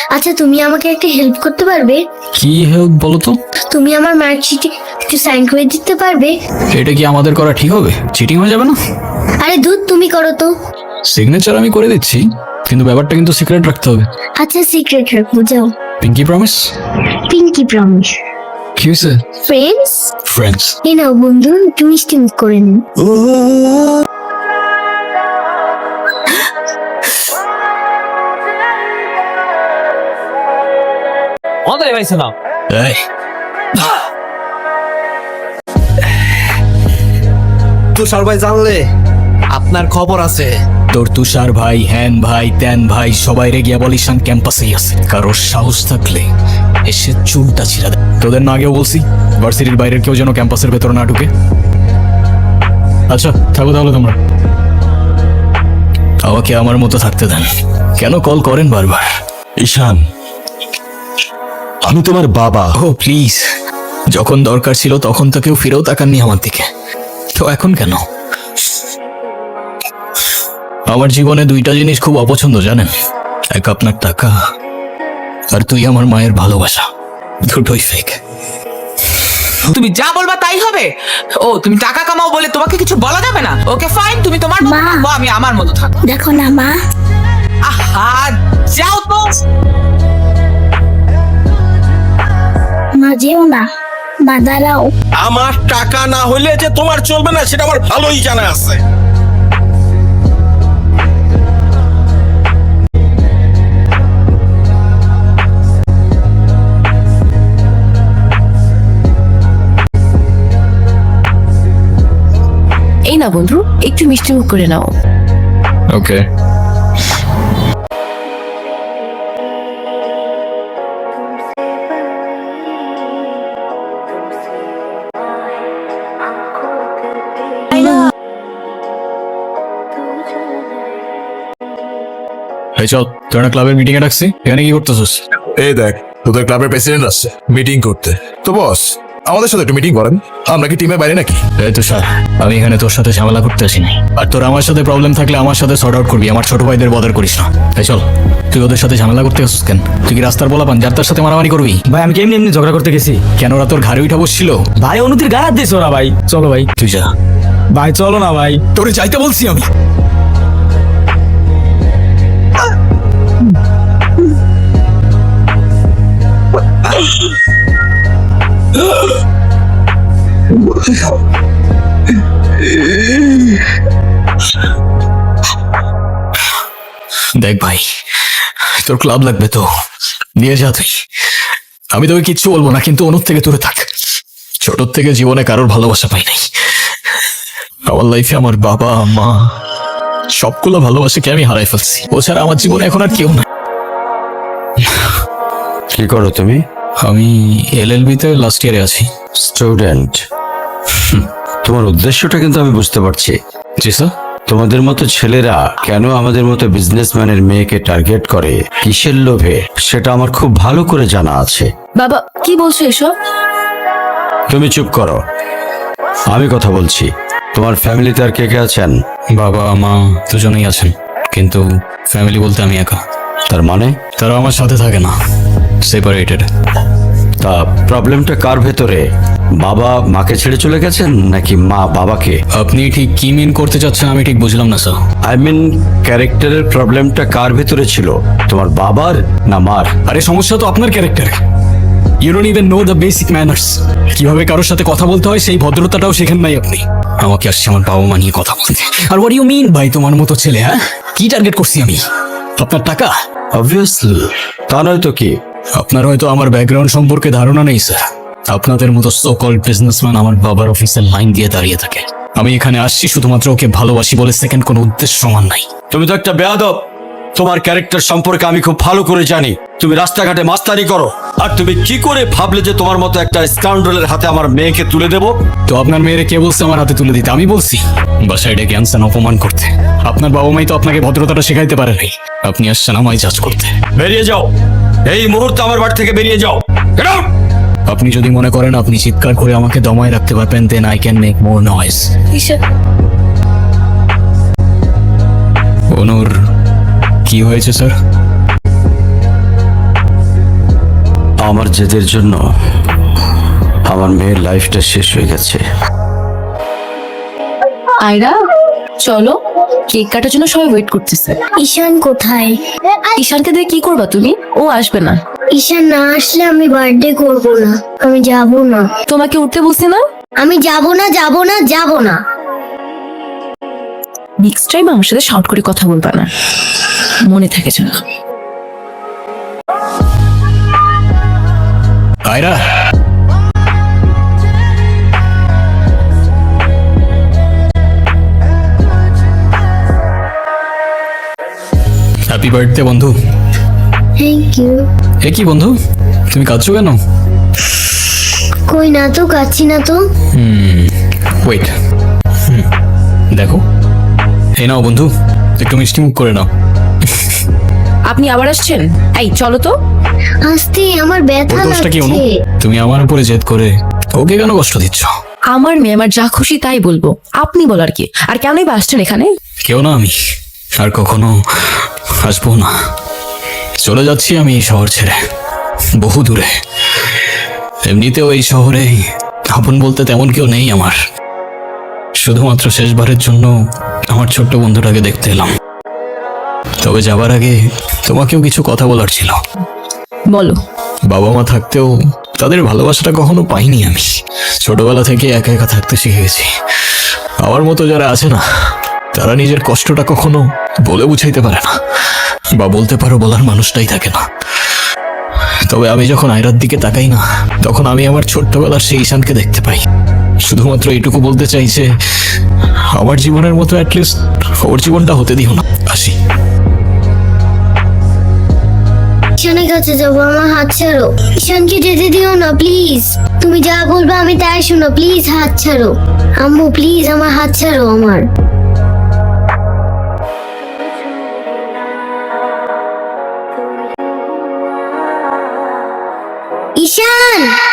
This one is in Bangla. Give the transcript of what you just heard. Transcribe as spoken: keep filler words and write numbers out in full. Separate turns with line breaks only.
আচ্ছা তুমি আমাকে একটা হেল্প করতে পারবে?
কি হেল্প বলো তো?
তুমি আমার মার্কশিটে একটু সাইন করে দিতে পারবে?
এটা কি আমাদের করা ঠিক হবে? চিটিং হয়ে যাবে না?
আরে দুধ তুমি করো তো।
সিগনেচার আমি করে দিচ্ছি, কিন্তু ব্যাপারটা কিন্তু সিক্রেট রাখতে হবে।
আচ্ছা সিক্রেট রাখবো, যাও।
Pinky promise?
Pinky promise.
কি হয়েছে?
Friends
friends.
এই নাও বন্ধু, একটু মিষ্টি মুখ করে নিন।
আমাদের ভাইছে না।
এই
তুষার ভাই জানলে আপনার খবর আছে।
তোর তুষার ভাই, হ্যান ভাই, ত্যান ভাই সবাই রে গিয়া বলিস ক্যাম্পাসেই আছে। কারোর সাহস থাকলে এসে চুলটা ছিঁড়া দেয়। তোদের না আগেও বলছি ভার্সিটির বাইরের কেউ যেন ক্যাম্পাসের ভেতরে না ঢুকে। আচ্ছা থাকো তাহলে তোমরা, আমাকে আমার মতো থাকতে দেন। কেন কল করেন বারবার?
ঈশান, আমি তোমার বাবা।
ও প্লিজ, যখন দরকার ছিল তখন তো কেউ ফিরেও তাকাননি আমার দিকে, তো এখন কেন? আমার জীবনে দুইটা জিনিস খুব অপছন্দ জানেন, এক আপনার টাকা, আর তুই আমার মায়ের ভালোবাসা। দুটোই ফেক।
তুমি যা বলবা তাই হবে? ও তুমি টাকা কামাও বলে তোমাকে কিছু বলা যাবে না? ওকে ফাইন, তুমি তোমার মতো
মা।
থাকো, আমি আমার মতো থাকবো।
দেখো না মা,
আহা যাও তো।
মা যেও না, মা দাঁড়াও।
আমার টাকা না হইলে যে তোমার চলবে না সেটা আমার ভালোই জানা আছে।
এই না বন্ধু, একটু মিষ্টি মুখ করে নাও।
ওকে। এই চল, তোর না ক্লাবের মিটিং এ ডাকছি, এখানে কি করতেছিস?
এই দেখ, তোদের ক্লাবের প্রেসিডেন্ট আসছে মিটিং করতে। তো বস, আমাদের সাথে একটু মিটিং করেন। আমরা কি টিমের বাইরে নাকি?
এই তুষার, আমি এখানে তোর সাথে ঝামেলা করতে আসিনি। আর তোর আমার সাথে প্রবলেম থাকলে আমার সাথে সর্ট আউট করবি, আমার ছোট ভাইদের বদার করিস না। এই চল, তুই ওদের সাথে ঝামেলা করতে আসছিস কেন? তুই কি রাস্তার বলা পান যার তার সাথে মারামারি করবি?
ভাই আমি কেমনি এমনি ঝগড়া করতে গেছি।
কেন ওরা তোর ঘাড়ে উঠা বসছিল?
ভাই অনুতির গায়ে হাত দিয়েছে ওরা। ভাই চলো ভাই।
তুই যা।
ভাই চলো না ভাই।
তোরে যাইতে বলছি আমি। দেখ ভাই, তোর ক্লাব লাগবে তো নিয়ে যা তুই, আমি তোকে কিচ্ছু বলবো না, কিন্তু অনুর থেকে দূরে থাক। ছোট থেকে জীবনে কারোর ভালোবাসা পাই নাই। আমার লাইফে আমার বাবা মা সবগুলো ভালোবাসাকে আমি হারাই ফেলছি। ও ছাড়া আমার জীবনে এখন আর কেউ না।
কি করো তুমি?
আমি এল এল বি তে লাস্ট ইয়ারে আছি।
স্টুডেন্ট? তোমার উদ্দেশ্যটা কিন্তু আমি বুঝতে পারছি।
জি স্যার।
তোমাদের মতো ছেলেরা কেন আমাদের মতো বিজনেসম্যানের মেয়েকে টার্গেট করে, কিসের লোভে, সেটা আমার খুব ভালো করে জানা আছে।
বাবা কি বলছো এসব?
তুমি চুপ করো, আমি কথা বলছি। তোমার ফ্যামিলিতে আর কে কে আছেন?
বাবা মা দুজনেই আছেন, কিন্তু ফ্যামিলি বলতে আমি একা।
তার মানে?
তারা আমার সাথে থাকে না, সেপারেটেড।
তা প্রবলেমটা কার ভেতরে? বাবা মাকে ছেড়ে চলে গেছেন নাকি মা বাবাকে?
আপনি ঠিক কি মিন করতে চাচ্ছেন আমি ঠিক বুঝলাম না স্যার।
আই মিন ক্যারেক্টারের প্রবলেমটা কার ভেতরে ছিল, তোমার বাবার না মার?
আরে সমস্যা তো আপনার ক্যারেক্টারে। You don't even know the basic manners. কিভাবে কারোর সাথে কথা বলতে হয় সেই ভদ্রতাটাও শেখেন নাই আপনি। আমাকে আসছে আমার বাবা মা নিয়ে কথা বলতে। আর হোয়াট ইউ মিন ভাই তোমার মতো ছেলে? হ্যাঁ, কি টার্গেট করছি আমি? আপনার টাকা?
অবভিয়াসলি, তা নয় তো কি?
আপনার হয়তো আমার ব্যাকগ্রাউন্ড সম্পর্কে ধারণা নেই স্যার। আপনাদের মতো সো কল্ড বিজনেসম্যান আমার বাবার অফিসের লাইন দিয়ে দাঁড়িয়ে থাকে। আমি এখানে আসছি শুধুমাত্র ওকে ভালোবাসি বলে, সেকেন্ড কোনো উদ্দেশ্য সমান নাই।
তুমি তো একটা বেয়াদব। তোমার ক্যারেক্টার সম্পর্কে আমি খুব ভালো করে জানি। তুমি রাস্তাঘাটে মাস্তানি করো, আর তুমি কি করে ভাবলে যে তোমার মতো একটা স্কাউন্ডারের হাতে আমার মেয়েকে তুলে দেবো?
তো আপনার মেয়েরে কে বলছে আমার হাতে তুলে দিতে? আমি বলছি? বাসায় ডেকে আনছেন অপমান করতে। আপনার বাবা মাই তো আপনাকে ভদ্রতাটা শেখাইতে পারে নাই। আপনি আসছেন আমায় জাজ করতে।
বেরিয়ে যাও, এই মুহূর্তে আমার বাড়ি থেকে বেরিয়ে যাও। Get out!
আপনি যদি মনে করেন আপনি চিৎকার করে আমাকে দমায় রাখতে পারবেন, then I can make more noise. অনুর কি হয়েছে স্যার?
আমার জেদের জন্য আমার মেয়ের লাইফটা শেষ হয়ে গেছে।
আয়রা চলো, কেক কাটার জন্য সবাই ওয়েট করতেছে।
ঈশান কোথায়?
ঈশানকে দিয়ে কি করবা তুমি? ও আসবে না।
ঈশান না আসলে আমি বার্থডে করব না, আমি যাব না,
তোমাকে উঠতে বলছি না?
আমি যাব না, যাব না, যাব না।
নেক্সট টাইম আমার সাথে শর্ট করে কথা বলবা না, মনে থাকে যেন।
আয়রা, হ্যাপি বার্থডে বন্ধু।
Thank you.
এ কি বন্ধু, তুমি কাঁদছো কেন?
কই না তো, কাচ্ছি না তো।
ওয়েট, দেখো, এই নাও বন্ধু, একটু মিষ্টি মুখ করে নাও।
আপনি আবার আসছেন? এই চলো তো।
আস্তে, আমার
ওর
ব্যথা
দোষটা কি অনু?
লাগছে।
তুমি আমার উপরে জেদ করে ওকে কেন কষ্ট দিচ্ছ?
আমার মেয়ে, আমার যা খুশি তাই বলবো, আপনি বলার কি? আর কেনই বা আসছেন এখানে?
কেউ না, আমি আর কখনো আসবো না। চলে যাচ্ছি আমি এই শহর ছেড়ে, বহু দূরে। এমনিতেও এই শহরে আপন বলতে তেমন কেউ নেই আমার। শুধুমাত্র শেষবারের জন্য আমার ছোট্ট বন্ধুটাকে দেখতে এলাম। তবে যাবার আগে তোমাকেও কিছু কথা বলার ছিল।
বলো।
বাবা মা থাকতেও তাদের ভালোবাসাটা কখনো পাইনি আমি। ছোটবেলা থেকে একা একা থাকতে শিখে গেছি। আমার মতো যারা আছে না, তারা নিজের কষ্টটা কখনো বলে বুঝাইতে পারে না, বা বলতে পারো বলার মানুষটাই থাকে না। তবে আমি যখন আয়রার দিকে তাকাই না, তখন আমি আমার ছোট্টবেলার সেই ঈশানকে দেখতে পাই। শুধুমাত্র এইটুকু বলতে চাই যে আমার জীবনের মতো অ্যাটলিস্ট ওর জীবনটা হতে দিও না। আসি।
ঈশানের কাছে যাবো, আমার হাত ছাড়ো। ঈশানকে যেতে দিও না প্লিজ। তুমি যা বলবে আমি তাই শোনো, প্লিজ হাত ছাড়ো। আম্মু প্লিজ আমার হাত ছাড়ো আমার। ঈশান।